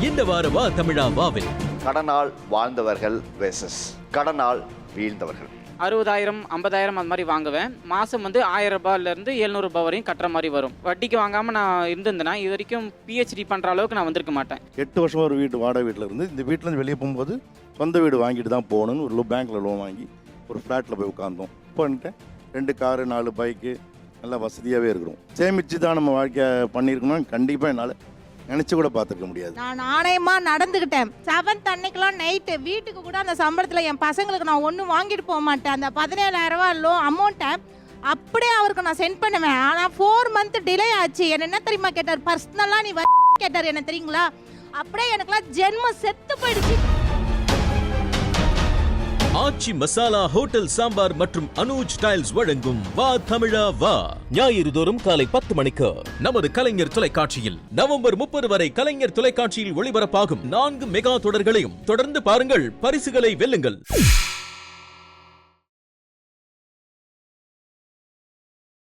இந்த வார வா தமிழா வாவில் கடனால் வாழ்ந்தவர்கள் வெர்சஸ் கடனால் வீழ்ந்தவர்கள். 60,000 50,000 அந்த மாதிரி வாங்குவேன். மாதம் வந்து 1000 ரூபாயிலேருந்து 700 ரூபாய் வரையும் கட்டுற மாதிரி வரும். வட்டிக்கு வாங்காமல் நான் இருந்திருந்தேன்னா இது வரைக்கும் பிஹெச்டி பண்ணுற அளவுக்கு நான் வந்திருக்க மாட்டேன். 8 வருஷம் ஒரு வீட்டு வாடகை வீட்டில் இருந்து இந்த வீட்டிலேருந்து வெளியே போகும்போது சொந்த வீடு வாங்கிட்டு தான் போகணும்னு ஒரு பேங்க்கில் லோன் வாங்கி ஒரு ஃப்ளாட்டில் போய் உட்காந்தோம். பண்ணிட்டேன் 2 காரு 4 பைக்கு நல்லா வசதியாகவே இருக்கிறோம். சேமித்து தான் நம்ம வாழ்க்கையை பண்ணியிருக்கணும். கண்டிப்பாக என்னால் நினச்சி கூட பார்த்துருக்க முடியாது. நான் நாணயமாக நடந்துக்கிட்டேன். 7th அன்னைக்கெலாம் நைட்டு வீட்டுக்கு கூட அந்த சம்பளத்தில் என் பசங்களுக்கு நான் ஒன்றும் வாங்கிட்டு போக மாட்டேன். அந்த 17,000 ரூபா அமௌண்ட்டை அப்படியே அவருக்கு நான் சென்ட் பண்ணுவேன். ஆனால் 4 மந்த் டிலே ஆச்சு. என்ன தெரியுமா கேட்டார், பர்சனலாக நீ கேட்டார் என்ன தெரியுங்களா. அப்படியே எனக்குலாம் ஜென்மம் செத்து போயிடுச்சு. ஆச்சி மசாலா ஹோட்டல் சாம்பார் மற்றும் அனுஜ் டைல்ஸ் வழங்கும் வா தமிழா வா ஞாயிறு தோறும் காலை 10 மணிக்கு நமது கலைஞர் தொலைக்காட்சியில். நவம்பர் 30 வரை கலைஞர் தொலைக்காட்சியில் ஒளிபரப்பாகும் 4 மெகா தொடர்களையும் தொடர்ந்து பாருங்கள், பரிசுகளை வெல்லுங்கள்.